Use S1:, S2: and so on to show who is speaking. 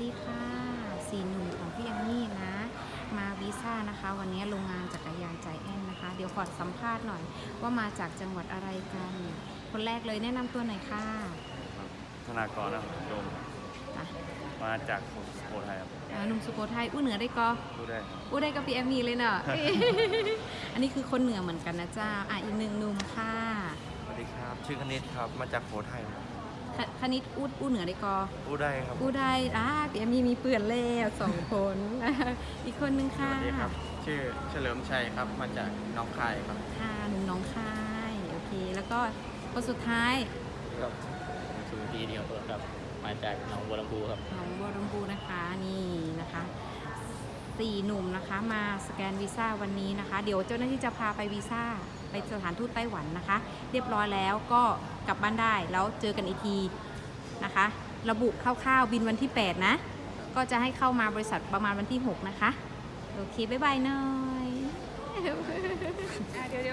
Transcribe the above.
S1: ดีค่ะสี่หนุ่มของพี่ยังนี่นะ มาวีซ่านะคะ วันนี้โรงงานจักรยานใจแอนนะคะ เดี๋ยวขอสัมภาษณ์หน่อยว่ามาจากจังหวัดอะไรกัน คนแรกเลยแนะนำตัวหน่อยค่ะ
S2: ธนากรนะครับโยม
S1: อ่ะ
S2: มาจากสุโขทัยครับ
S1: หนุ่มสุโขทัยอู้เหนือได้ก็
S2: พูดได้ครับ
S1: อู้ได้กับพี่แอมมี่เลยเนอะ อันนี้คือคนเหนือเหมือนกันนะเจ้าอีกหนึ่งหนุ่มค่ะ
S3: สวัสดีครับชื่อคณิตครับมาจากโขทัยครับ
S1: คณิตอู้เหนือได้ก็
S3: พูดได้ครับ
S1: อู้ได้พี่แอมมี่มีเปื่อนแล้ว2 คน อีกคนนึงค่ะ
S3: สวัสดีครับชื่อเฉลิมชัยครับมาจากหน้องคายครับ
S1: ค่ะหนุ่มน้องคายโอเค แล้วก็คนสุดท้าย
S4: ครับผมสุธีเดียวครับมาจากหนองบัวลำพูครับ
S1: หนองบัวลำพูนะคะนี่นะคะ4 หนุ่มนะคะมาสแกนวีซ่าวันนี้นะคะ เดี๋ยวเจ้าหน้าที่จะพาไปวีซ่าไปสถานทูตไต้หวันนะคะ เรียบร้อยแล้วก็กลับบ้านได้แล้วเจอกันอีกทีนะคะ ระบุคร่าวๆบินวันที่8นะก็จะให้เข้ามาบริษัทประมาณวันที่6นะคะโอเคบ๊ายบายหน่อย